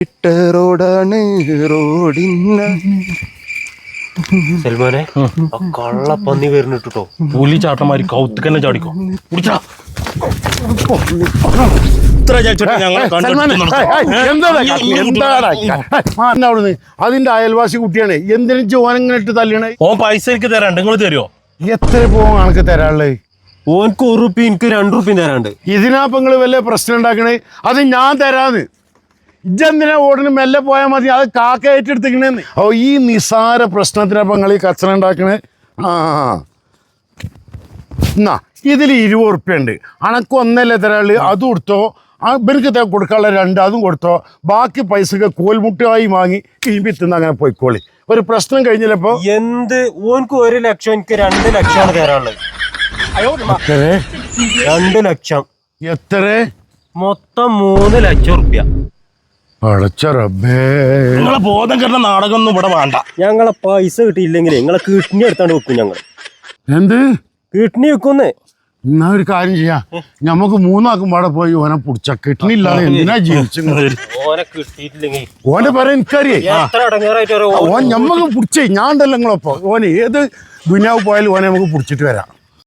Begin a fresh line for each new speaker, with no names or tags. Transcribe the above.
റോഡാണ് റോഡിന്
സൽമാനെ കള്ളപ്പന്നി വരുന്നിട്ടോ
പുലി ചാട്ടന്മാര് കൗത്തുക്കന്നെ ചാടിക്കോ
അവിടുന്ന് അതിന്റെ അയൽവാസി കുട്ടിയാണ് എന്തിനും ചോനങ്ങനെ ഇട്ട് തല്ലണേ.
ഓൻ പൈസ എനിക്ക് തരാണ്ട് നിങ്ങൾ തരുമോ?
എത്ര പോവാൻ കണക്ക് തരാനുള്ളത്?
ഓനക്ക് ₹1 എനിക്ക് ₹2 തരാണ്ട്.
ഇതിനാപ്പ നിങ്ങള് വല്ല പ്രശ്നം ഉണ്ടാക്കണേ? അത് ഞാൻ തരാന്ന്. ഇജെന്തിനാ ഓടിന് മെല്ലെ പോയാൽ മതി, അത് കാക്ക ഏറ്റെടുത്തിക്കണേന്ന്. ഓ ഈ നിസാര പ്രശ്നത്തിനപ്പം നിങ്ങൾ ഈ കച്ചറ ഉണ്ടാക്കണേ. എന്നാ ഇതിൽ ₹20 ഉണ്ട്. അണക്ക് ഒന്നല്ലേ തരാള്, അതും കൊടുത്തോ. ഇവർക്ക് കൊടുക്കാനുള്ള 2 അതും കൊടുത്തോ. ബാക്കി പൈസക്ക് കോൽമുട്ടായി വാങ്ങി കിഴിപ്പിത്തുന്ന അങ്ങനെ പോയിക്കോളി. ഒരു പ്രശ്നം കഴിഞ്ഞില്ലപ്പോ
എന്ത് ഓനക്ക് 1 ലക്ഷം എനിക്ക് 2 ലക്ഷമാണ് തരാനുള്ളത്. 2 ലക്ഷം
എത്ര?
മൊത്തം ₹3 ലക്ഷം.
അടച്ച റബ്ബേ,
നിങ്ങളെ ബോധം കെട്ട നാടകം ഒന്നും ഇവിടെ വേണ്ട.
ഞങ്ങളെ പൈസ കിട്ടിയില്ലെങ്കിൽ നിങ്ങളെ കിഡ്നി എടുത്താണ്ട് വെക്കും. ഞങ്ങൾ
എന്ത്
കിഡ്നി വെക്കുന്നേ?
എന്നാ ഒരു കാര്യം ചെയ്യാം, ഞമ്മക്ക് 3 ആക്കും പാടെ പോയി ഓനെ പിടിച്ച. കിഡ്നി ഇല്ലാതെ എന്തിനാ ജീവിച്ചു?
ഓനെ കിട്ടിയിട്ടില്ലെങ്കിൽ
ഓനെ പറയാൻ എനിക്കറിയാം. ഓൻ ഞമ്മക്ക് പിടിച്ചേ. ഞാൻ ഉണ്ടല്ലോ നിങ്ങളൊപ്പം. ഓന് ഏത് ദുനിയാവ് പോയാലും ഓനെ നമുക്ക് പിടിച്ചിട്ട് വരാം.